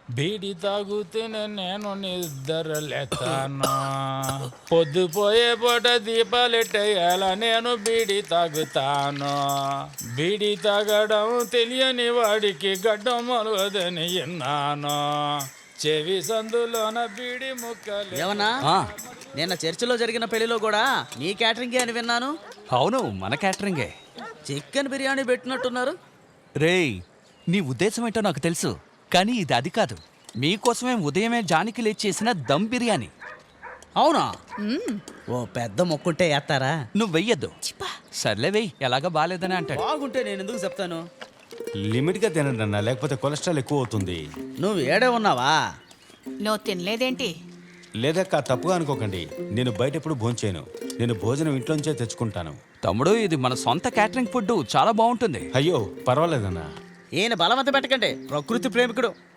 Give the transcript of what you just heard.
బీడి తాగుతూనే నేను నిద్రలేతాను. పొద్దుపోయే పూట దీపాలెట్టేయాల నేను బీడి తాగుతాను. బీడి తాగడం తెలియని వాడికి గడ్డం మొలవదని విన్నాను. చెవి సందులోన బీడి ముక్కలు. ఏమన్నా నిన్న చర్చిలో జరిగిన పెళ్లిలో కూడా నీ క్యాటరింగే అని విన్నాను. అవును, మన క్యాటరింగే. చికెన్ బిర్యానీ పెట్టినట్టున్నారు. రేయ్, నీ ఉద్దేశం ఏంటో నాకు తెలుసు, కానీ ఇది అది కాదు. మీకోసమే ఉదయమే జానికి లేచి చేసిన దమ్ బిర్యానీ. అవునా? ఓ పెద్ద మొక్కుంటే వేస్తారా? నువ్వు వెయ్యొద్దు. సర్లే వెయ్యి, ఎలాగా బాగాలేదని అంటాడు. బాగుంటే నేను ఎందుకు చెప్తాను? లిమిట్గా తినండి అన్న, లేకపోతే కొలెస్ట్రాల్ ఎక్కువ అవుతుంది. నువ్వు ఏడే ఉన్నావా? నువ్వు తినలేదేంటి? లేదక్క, తప్పుగా అనుకోకండి. నేను బయట ఎప్పుడు భోంచేయను. నేను భోజనం ఇంట్లోంచే తెచ్చుకుంటాను. తమ్ముడు, ఇది మన సొంత క్యాటరింగ్ ఫుడ్, చాలా బాగుంటుంది. అయ్యో పర్వాలేదన్నా. ఈయన బలవంత పెట్టకండి, ప్రకృతి ప్రేమికుడు.